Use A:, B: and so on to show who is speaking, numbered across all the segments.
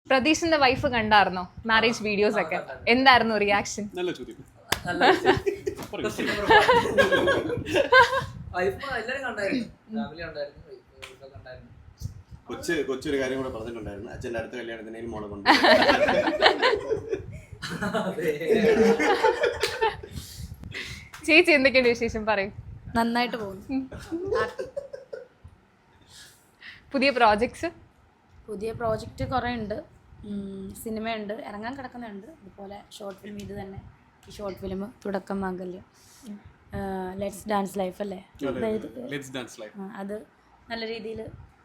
A: പ്രതീഷിന്റെ wife കണ്ടായിരുന്നോ marriage videos ഒക്കെ? എന്തായിരുന്നു റിയാക്ഷൻ?
B: നല്ല ചോദ്യം. കൊച്ചൊരു കാര്യം കൂടെ പറഞ്ഞിട്ടുണ്ടായിരുന്നു, അച്ഛൻ്റെ അടുത്ത കല്യാണത്തിന് മോളെ കൊണ്ട്.
A: ചേച്ചി എന്തൊക്കെയാണ് വിശേഷം പറയും?
C: നന്നായിട്ട് പോകുന്നു.
A: പുതിയ പ്രോജക്ട്സ്
C: കുറേ ഉണ്ട്. സിനിമയുണ്ട്, ഇറങ്ങാൻ കിടക്കുന്നുണ്ട്. അതുപോലെ ഷോർട്ട് ഫിലിം, ഇത് തന്നെ ഈ ഷോർട്ട് ഫിലിം തുടക്കം മാംഗല്യം, ലെറ്റ്സ് ഡാൻസ് ലൈഫ് അല്ലേ, അത് നല്ല രീതിയിൽ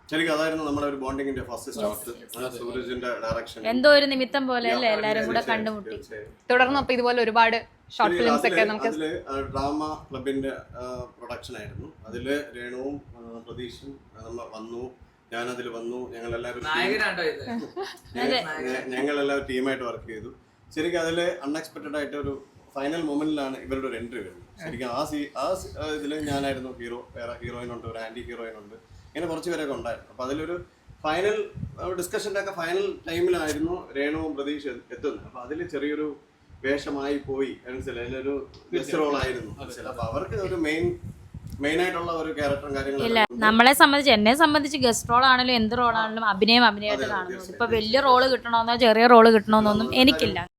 C: എന്തോ ഒരു നിമിത്തം പോലെ അല്ലേ എല്ലാരും കൂടെ കണ്ടുമുട്ടി.
A: തുടർന്ന് അപ്പൊ ഇതുപോലെ ഒരുപാട് ഷോർട്ട് ഫിലിംസ് ഒക്കെ നമുക്ക്
B: ഡ്രാമ ക്ലബിന്റെ പ്രൊഡക്ഷൻ ആയിരുന്നു. അതില് രേണുവും പ്രതീഷും വന്നു, ഞാനതിൽ വന്നു. ഞങ്ങളെല്ലാവരും ടീമായിട്ട് വർക്ക് ചെയ്തു. ശരിക്കും അതില് അൺഎക്സ്പെക്ടഡ് ആയിട്ട് ഒരു ഫൈനൽ മൊമെന്റിലാണ് ഇവരുടെ ഒരു എൻട്രി വരുന്നത്. ശരിക്കും ആ ഇതിൽ ഞാനായിരുന്നു ഹീറോ, വേറെ ഹീറോയിൻ ഉണ്ട്, ഒരു ആന്റി ഹീറോയിൻ ഉണ്ട്, ഇങ്ങനെ കുറച്ച് പേരൊക്കെ ഉണ്ടായിരുന്നു. അപ്പൊ അതിലൊരു ഫൈനൽ ഡിസ്കഷൻ്റെ ഒക്കെ ഫൈനൽ ടൈമിലായിരുന്നു രേണുവും പ്രതീക്ഷ എത്തുന്നത്. അപ്പൊ അതിൽ ചെറിയൊരു വേഷമായി പോയി, മനസ്സിലായി, അതിലൊരു ഗസ്റ്റ് റോൾ ആയിരുന്നു. അപ്പൊ അവർക്ക് ഒരു മെയിൻ ആയിട്ടുള്ള ഒരു ക്യാരക്ടറും കാര്യങ്ങളും
C: ഇല്ല. എന്നെ സംബന്ധിച്ച് ഗസ്റ്റ് റോൾ ആണെങ്കിലും എന്ത് റോളാണെങ്കിലും അഭിനയമായിട്ട് കാണുന്നു. ഇപ്പൊ വലിയ റോള് കിട്ടണമെന്നോ ചെറിയ റോള് കിട്ടണമെന്നൊന്നും എനിക്കില്ല.